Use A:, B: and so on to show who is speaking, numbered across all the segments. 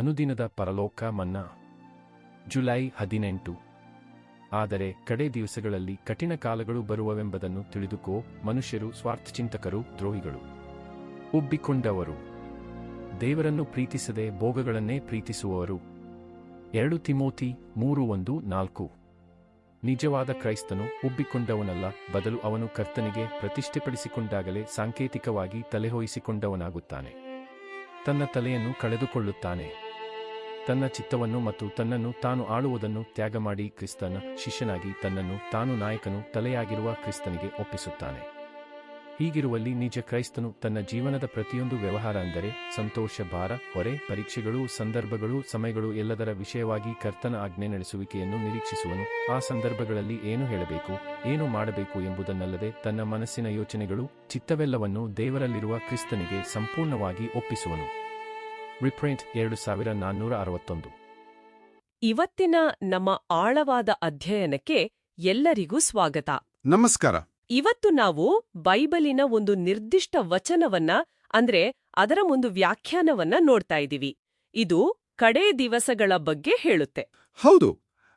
A: ಅನುದಿನದ ಪರಲೋಕ ಮನ್ನಾ. ಜುಲೈ 18. ಆದರೆ ಕಡೆ ದಿವಸಗಳಲ್ಲಿ ಕಠಿಣ ಕಾಲಗಳು ಬರುವವೆಂಬುದನ್ನು ತಿಳಿದುಕೋ. ಮನುಷ್ಯರು ಸ್ವಾರ್ಥಚಿಂತಕರು, ದ್ರೋಹಿಗಳು, ಉಬ್ಬಿಕೊಂಡವರು, ದೇವರನ್ನು ಪ್ರೀತಿಸದೆ ಭೋಗಗಳನ್ನೇ ಪ್ರೀತಿಸುವವರು. 2 ತಿಮೋತಿ 3:1-4. ನಿಜವಾದ ಕ್ರೈಸ್ತನು ಉಬ್ಬಿಕೊಂಡವನಲ್ಲ, ಬದಲು ಅವನು ಕರ್ತನಿಗೆ ಪ್ರತಿಷ್ಠೆಪಡಿಸಿಕೊಂಡಾಗಲೇ ಸಾಂಕೇತಿಕವಾಗಿ ತಲೆಹೊಯಿಸಿಕೊಂಡವನಾಗುತ್ತಾನೆ. ತನ್ನ ತಲೆಯನ್ನು ಕಳೆದುಕೊಳ್ಳುತ್ತಾನೆ. ತನ್ನ ಚಿತ್ತವನ್ನು ಮತ್ತು ತನ್ನನ್ನು ತಾನು ಆಳುವುದನ್ನು ತ್ಯಾಗಮಾಡಿ ಕ್ರಿಸ್ತನ ಶಿಷ್ಯನಾಗಿ ತನ್ನನ್ನು ತಾನು ನಾಯಕನು ತಲೆಯಾಗಿರುವ ಕ್ರಿಸ್ತನಿಗೆ ಒಪ್ಪಿಸುತ್ತಾನೆ. ಹೀಗಿರುವಲ್ಲಿ ನಿಜ ಕ್ರೈಸ್ತನು ತನ್ನ ಜೀವನದ ಪ್ರತಿಯೊಂದು ವ್ಯವಹಾರ ಅಂದರೆ ಸಂತೋಷ, ಭಾರ, ಹೊರೆ, ಪರೀಕ್ಷೆಗಳು, ಸಂದರ್ಭಗಳು, ಸಮಯಗಳು ಎಲ್ಲದರ ವಿಷಯವಾಗಿ ಕರ್ತನ ಆಜ್ಞೆ ನಡೆಸುವಿಕೆಯನ್ನು ನಿರೀಕ್ಷಿಸುವನು. ಆ ಸಂದರ್ಭಗಳಲ್ಲಿ ಏನು ಹೇಳಬೇಕು, ಏನು ಮಾಡಬೇಕು ಎಂಬುದನ್ನಲ್ಲದೆ ತನ್ನ ಮನಸ್ಸಿನ ಯೋಚನೆಗಳು, ಚಿತ್ತವೆಲ್ಲವನ್ನೂ ದೇವರಲ್ಲಿರುವ ಕ್ರಿಸ್ತನಿಗೆ ಸಂಪೂರ್ಣವಾಗಿ ಒಪ್ಪಿಸುವನು. ರಿಪ್ರಿಂಟ್ 2461.
B: ಇವತ್ತಿನ ನಮ್ಮ ಆಳವಾದ ಅಧ್ಯಯನಕ್ಕೆ ಎಲ್ಲರಿಗೂ ಸ್ವಾಗತ.
C: ನಮಸ್ಕಾರ.
B: ಇವತ್ತು ನಾವು ಬೈಬಲಿನ ಒಂದು ನಿರ್ದಿಷ್ಟ ವಚನವನ್ನ ಅಂದ್ರೆ ಅದರ ಒಂದು ವ್ಯಾಖ್ಯಾನವನ್ನ ನೋಡ್ತಾ ಇದ್ದೀವಿ. ಇದು ಕಡೇ ದಿವಸಗಳ ಬಗ್ಗೆ ಹೇಳುತ್ತೆ.
C: ಹೌದು.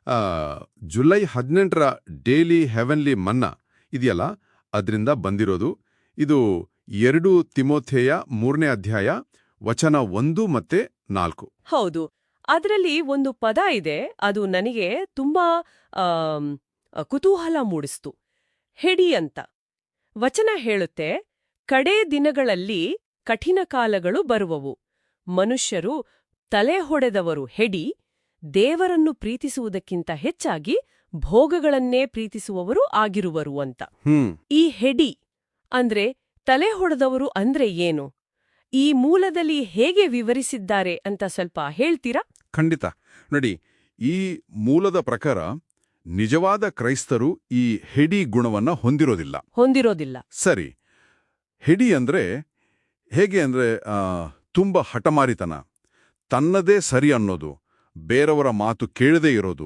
C: ಜುಲೈ 18ರ ಡೇಲಿ ಹೆವೆನ್ಲಿ ಮನ್ನಾ ಇದೆಯಲ್ಲ, ಅದರಿಂದ ಬಂದಿರೋದು. ಇದು 2 ತಿಮೋಥೆಯ 3ನೇ ಅಧ್ಯಾಯ ವಚನ 1 ಮತ್ತೆ 4.
B: ಹೌದು. ಅದರಲ್ಲಿ ಒಂದು ಪದ ಇದೆ, ಅದು ನನಗೆ ತುಂಬಾ ಕುತೂಹಲ ಮೂಡಿಸ್ತು. ಹೆಡಿ ಅಂತ ವಚನ ಹೇಳುತ್ತೆ, ಕಡೇ ದಿನಗಳಲ್ಲಿ ಕಠಿಣ ಕಾಲಗಳು ಬರುವವು. ಮನುಷ್ಯರು ತಲೆ ಹೊಡೆದವರು ಹೆಡಿ, ದೇವರನ್ನು ಪ್ರೀತಿಸುವುದಕ್ಕಿಂತ ಹೆಚ್ಚಾಗಿ ಭೋಗಗಳನ್ನೇ ಪ್ರೀತಿಸುವವರು ಆಗಿರುವರು ಅಂತ. ಈ ಹೆಡಿ ಅಂದ್ರೆ ತಲೆ ಹೊಡೆದವರು ಅಂದ್ರೆ ಏನು? ಈ ಮೂಲದಲ್ಲಿ ಹೇಗೆ ವಿವರಿಸಿದ್ದಾರೆ ಅಂತ ಸ್ವಲ್ಪ ಹೇಳ್ತೀರಾ?
C: ಖಂಡಿತ. ನೋಡಿ, ಈ ಮೂಲದ ಪ್ರಕಾರ ನಿಜವಾದ ಕ್ರೈಸ್ತರು ಈ ಹೆಡಿ ಗುಣವನ್ನ ಹೊಂದಿರೋದಿಲ್ಲ. ಸರಿ. ಹೆಡಿ ಅಂದ್ರೆ ಹೇಗೆ ಅಂದ್ರೆ ತುಂಬ ಹಠಮಾರಿತನ, ತನ್ನದೇ ಸರಿ ಅನ್ನೋದು, ಬೇರೆಯವರ ಮಾತು ಕೇಳದೇ ಇರೋದು,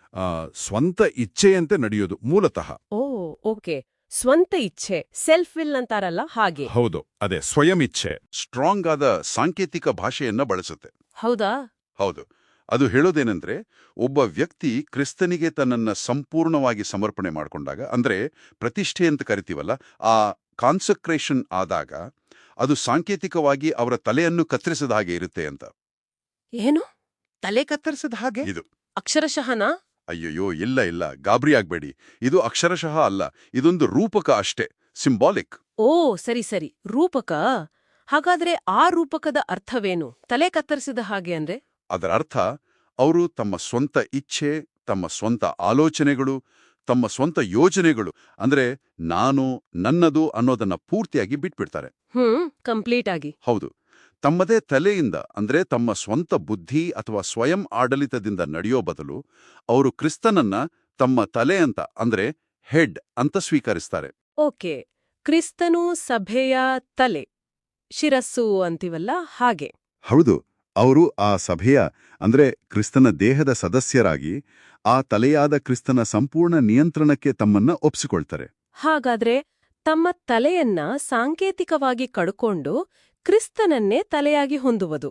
C: ಸ್ವಂತ ಇಚ್ಛೆಯಂತೆ ನಡೆಯೋದು ಮೂಲತಃ.
B: ಓಕೆ. ಸ್ವಂತ ಇಚ್ಛೆ, ಸೆಲ್ಫ್ ವಿಲ್ ಅಂತಾರಲ್ಲ ಹಾಗೆ.
C: ಹೌದು, ಅದೇ ಸ್ವಯಂ ಇಚ್ಛೆ. ಸ್ಟ್ರಾಂಗ್ ಆದ ಸಾಂಕೇತಿಕ ಭಾಷೆಯನ್ನ ಬಳಸುತ್ತೆ.
B: ಹೌದಾ?
C: ಹೌದು. ಅದು ಹೇಳೋದೇನೆಂದ್ರೆ, ಒಬ್ಬ ವ್ಯಕ್ತಿ ಕ್ರಿಸ್ತನಿಗೆ ತನ್ನನ್ನ ಸಂಪೂರ್ಣವಾಗಿ ಸಮರ್ಪಣೆ ಮಾಡಿಕೊಂಡಾಗ, ಅಂದ್ರೆ ಪ್ರತಿಷ್ಠೆ ಅಂತ ಕರಿತೀವಲ್ಲ, ಆ ಕಾನ್ಸಕ್ರೇಷನ್ ಆದಾಗ ಅದು ಸಾಂಕೇತಿಕವಾಗಿ ಅವರ ತಲೆಯನ್ನು ಕತ್ತರಿಸಿದ ಹಾಗೆ ಇರುತ್ತೆ ಅಂತ.
B: ಏನು? ತಲೆ ಕತ್ತರಿಸಿದ ಹಾಗೆ?
C: ಇದು
B: ಅಕ್ಷರಶಃನಾ?
C: ಅಯ್ಯಯ್ಯೋ, ಇಲ್ಲ, ಗಾಬರಿ ಆಗ್ಬೇಡಿ. ಇದು ಅಕ್ಷರಶಃ ಅಲ್ಲ, ಇದೊಂದು ರೂಪಕ ಅಷ್ಟೇ, ಸಿಂಬಾಲಿಕ್.
B: ಸರಿ, ರೂಪಕ. ಹಾಗಾದ್ರೆ ಆ ರೂಪಕದ ಅರ್ಥವೇನು? ತಲೆ ಕತ್ತರಿಸಿದ ಹಾಗೆ ಅಂದ್ರೆ?
C: ಅದರ ಅರ್ಥ, ಅವರು ತಮ್ಮ ಸ್ವಂತ ಇಚ್ಛೆ, ತಮ್ಮ ಸ್ವಂತ ಆಲೋಚನೆಗಳು, ತಮ್ಮ ಸ್ವಂತ ಯೋಜನೆಗಳು, ಅಂದ್ರೆ ನಾನು, ನನ್ನದು ಅನ್ನೋದನ್ನ ಪೂರ್ತಿಯಾಗಿ ಬಿಟ್ಬಿಡ್ತಾರೆ.
B: ಕಂಪ್ಲೀಟ್ ಆಗಿ.
C: ಹೌದು. ತಮ್ಮದೇ ತಲೆಯಿಂದ, ಅಂದ್ರೆ ತಮ್ಮ ಸ್ವಂತ ಬುದ್ಧಿ ಅಥವಾ ಸ್ವಯಂ ಆಡಳಿತದಿಂದ ನಡೆಯೋ ಬದಲು ಅವರು ಕ್ರಿಸ್ತನನ್ನ ತಮ್ಮ ತಲೆ ಅಂತ, ಅಂದ್ರೆ ಹೆಡ್ ಅಂತ ಸ್ವೀಕರಿಸ್ತಾರೆ.
B: ಓಕೆ. ಕ್ರಿಸ್ತನು ಸಭೆಯ ತಲೆ, ಶಿರಸ್ಸು ಅಂತೀವಲ್ಲ ಹಾಗೆ.
C: ಹೌದು. ಅವರು ಆ ಸಭೆಯ, ಅಂದ್ರೆ ಕ್ರಿಸ್ತನ ದೇಹದ ಸದಸ್ಯರಾಗಿ ಆ ತಲೆಯಾದ ಕ್ರಿಸ್ತನ ಸಂಪೂರ್ಣ ನಿಯಂತ್ರಣಕ್ಕೆ ತಮ್ಮನ್ನ ಒಪ್ಪಿಸಿಕೊಳ್ತಾರೆ.
B: ಹಾಗಾದ್ರೆ ತಮ್ಮ ತಲೆಯನ್ನ ಸಾಂಕೇತಿಕವಾಗಿ ಕಡ್ಕೊಂಡು ಕ್ರಿಸ್ತನನ್ನೇ ತಲೆಯಾಗಿ ಹೊಂದುವುದು,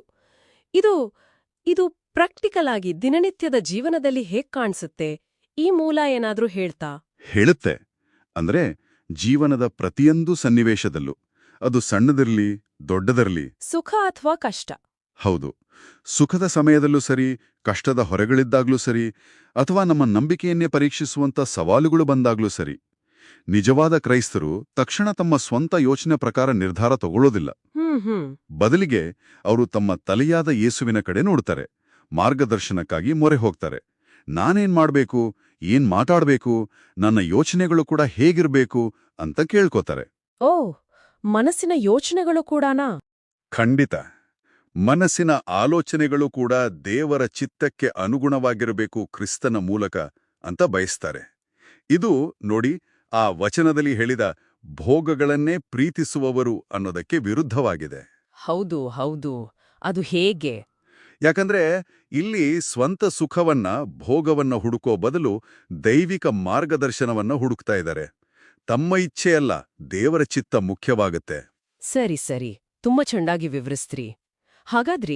B: ಇದು ಪ್ರಾಕ್ಟಿಕಲ್ ಆಗಿ ದಿನನಿತ್ಯದ ಜೀವನದಲ್ಲಿ ಹೇಗ್ ಕಾಣಿಸುತ್ತೆ? ಈ ಮೂಲ ಏನಾದ್ರೂ ಹೇಳುತ್ತೆ. ಅಂದ್ರೆ ಜೀವನದ ಪ್ರತಿಯೊಂದು ಸನ್ನಿವೇಶದಲ್ಲೂ, ಅದು ಸಣ್ಣದಿರ್ಲಿ ದೊಡ್ಡದಿರ್ಲಿ, ಸುಖ ಅಥವಾ ಕಷ್ಟ.
C: ಹೌದು. ಸುಖದ ಸಮಯದಲ್ಲೂ ಸರಿ, ಕಷ್ಟದ ಹೊರೆಗಳಿದ್ದಾಗ್ಲೂ ಸರಿ, ಅಥವಾ ನಮ್ಮ ನಂಬಿಕೆಯನ್ನೇ ಪರೀಕ್ಷಿಸುವಂತ ಸವಾಲುಗಳು ಬಂದಾಗ್ಲೂ ಸರಿ, ನಿಜವಾದ ಕ್ರೈಸ್ತರು ತಕ್ಷಣ ತಮ್ಮ ಸ್ವಂತ ಯೋಚನೆ ಪ್ರಕಾರ ನಿರ್ಧಾರ ತಗೊಳ್ಳೋದಿಲ್ಲ. ಬದಲಿಗೆ ಅವರು ತಮ್ಮ ತಲೆಯಾದ ಯೇಸುವಿನ ಕಡೆ ನೋಡ್ತಾರೆ, ಮಾರ್ಗದರ್ಶನಕ್ಕಾಗಿ ಮೊರೆ ಹೋಗ್ತಾರೆ. ನಾನೇನ್ ಮಾಡ್ಬೇಕು, ಏನ್ ಮಾತಾಡ್ಬೇಕು, ನನ್ನ ಯೋಚನೆಗಳು ಕೂಡ ಹೇಗಿರ್ಬೇಕು ಅಂತ ಕೇಳ್ಕೋತಾರೆ.
B: ಮನಸ್ಸಿನ ಯೋಚನೆಗಳು ಕೂಡಾನಾ?
C: ಖಂಡಿತ. ಮನಸ್ಸಿನ ಆಲೋಚನೆಗಳು ಕೂಡ ದೇವರ ಚಿತ್ತಕ್ಕೆ ಅನುಗುಣವಾಗಿರಬೇಕು ಕ್ರಿಸ್ತನ ಮೂಲಕ ಅಂತ ಬಯಸ್ತಾರೆ. ಇದು ನೋಡಿ, ಆ ವಚನದಲ್ಲಿ ಹೇಳಿದ ಭೋಗಗಳನ್ನೇ ಪ್ರೀತಿಸುವವರು ಅನ್ನೋದಕ್ಕೆ ವಿರುದ್ಧವಾಗಿದೆ.
B: ಹೌದು. ಅದು ಹೇಗೆ?
C: ಯಾಕಂದ್ರೆ ಇಲ್ಲಿ ಸ್ವಂತ ಸುಖವನ್ನ, ಭೋಗವನ್ನ ಹುಡುಕೋ ಬದಲು ದೈವಿಕ ಮಾರ್ಗದರ್ಶನವನ್ನ ಹುಡುಕ್ತಾ ಇದ್ದಾರೆ. ತಮ್ಮ ಇಚ್ಛೆಯಲ್ಲ, ದೇವರ ಚಿತ್ತ ಮುಖ್ಯವಾಗುತ್ತೆ.
B: ಸರಿ, ತುಂಬಾ ಚೆನ್ನಾಗಿ ವಿವರಿಸ್ತ್ರಿ. ಹಾಗಾದ್ರೆ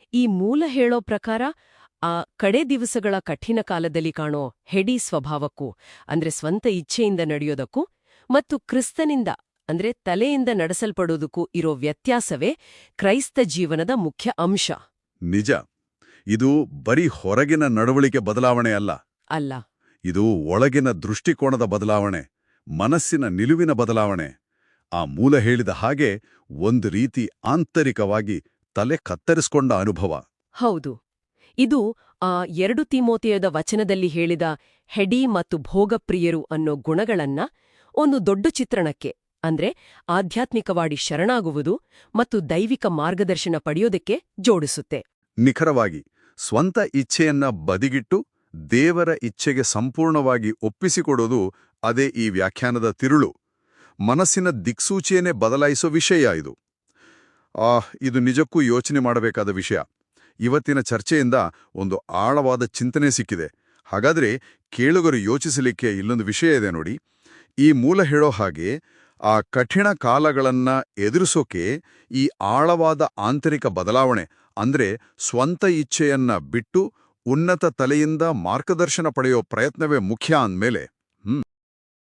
B: ಈ ಮೂಲ ಹೇಳೋ ಪ್ರಕಾರ ಆ ಕಡೆ ದಿವಸಗಳ ಕಠಿಣ ಕಾಲದಲ್ಲಿ ಕಾಣೋ ಹೆಡಿ ಸ್ವಭಾವಕ್ಕೂ ಅಂದ್ರೆ ಸ್ವಂತ ಇಚ್ಛೆಯಿಂದ ನಡೆಯೋದಕ್ಕೂ ಮತ್ತು ಕ್ರಿಸ್ತನಿಂದ ಅಂದ್ರೆ ತಲೆಯಿಂದ ನಡೆಸಲ್ಪಡೋದಕ್ಕೂ ಇರೋ ವ್ಯತ್ಯಾಸವೇ ಕ್ರೈಸ್ತ ಜೀವನದ ಮುಖ್ಯ ಅಂಶ.
C: ನಿಜ. ಇದು ಬರೀ ಹೊರಗಿನ ನಡವಳಿಕೆ ಬದಲಾವಣೆ ಅಲ್ಲ.
B: ಅಲ್ಲ,
C: ಇದು ಒಳಗಿನ ದೃಷ್ಟಿಕೋನದ ಬದಲಾವಣೆ, ಮನಸ್ಸಿನ ನಿಲುವಿನ ಬದಲಾವಣೆ. ಆ ಮೂಲ ಹೇಳಿದ ಹಾಗೆ ಒಂದು ರೀತಿ ಆಂತರಿಕವಾಗಿ ತಲೆ ಕತ್ತರಿಸ್ಕೊಂಡ ಅನುಭವ.
B: ಹೌದು. ಇದು ಆ 2 ತಿಮೋಥೆಯದ ವಚನದಲ್ಲಿ ಹೇಳಿದ ಹೆಡಿ ಮತ್ತು ಭೋಗಪ್ರಿಯರು ಅನ್ನೋ ಗುಣಗಳನ್ನ ಒಂದು ದೊಡ್ಡ ಚಿತ್ರಣಕ್ಕೆ ಅಂದ್ರೆ ಆಧ್ಯಾತ್ಮಿಕವಾಗಿ ಶರಣಾಗುವುದು ಮತ್ತು ದೈವಿಕ ಮಾರ್ಗದರ್ಶನ ಪಡೆಯೋದಕ್ಕೆ ಜೋಡಿಸುತ್ತೆ.
C: ನಿಖರವಾಗಿ ಸ್ವಂತ ಇಚ್ಛೆಯನ್ನ ಬದಿಗಿಟ್ಟು ದೇವರ ಇಚ್ಛೆಗೆ ಸಂಪೂರ್ಣವಾಗಿ ಒಪ್ಪಿಸಿಕೊಡೋದು ಅದೇ ಈ ವ್ಯಾಖ್ಯಾನದ ತಿರುಳು. ಮನಸ್ಸಿನ ದಿಕ್ಸೂಚಿಯನ್ನೇ ಬದಲಾಯಿಸೋ ವಿಷಯ ಇದು. ಇದು ನಿಜಕ್ಕೂ ಯೋಚನೆ ಮಾಡಬೇಕಾದ ವಿಷಯ. ಇವತ್ತಿನ ಚರ್ಚೆಯಿಂದ ಒಂದು ಆಳವಾದ ಚಿಂತನೆ ಸಿಕ್ಕಿದೆ. ಹಾಗಾದ್ರೆ ಕೇಳುಗರು ಯೋಚಿಸಲಿಕ್ಕೆ ಇಲ್ಲೊಂದು ವಿಷಯ ಇದೆ ನೋಡಿ. ಈ ಮೂಲ ಹೇಳೋ ಹಾಗೆ ಆ ಕಠಿಣ ಕಾಲಗಳನ್ನ ಎದುರಿಸೋಕೆ ಈ ಆಳವಾದ ಆಂತರಿಕ ಬದಲಾವಣೆ ಅಂದ್ರೆ ಸ್ವಂತ ಇಚ್ಛೆಯನ್ನ ಬಿಟ್ಟು ಉನ್ನತ ತಲೆಯಿಂದ ಮಾರ್ಗದರ್ಶನ ಪಡೆಯೋ ಪ್ರಯತ್ನವೇ ಮುಖ್ಯ ಅಂದ್ಮೇಲೆ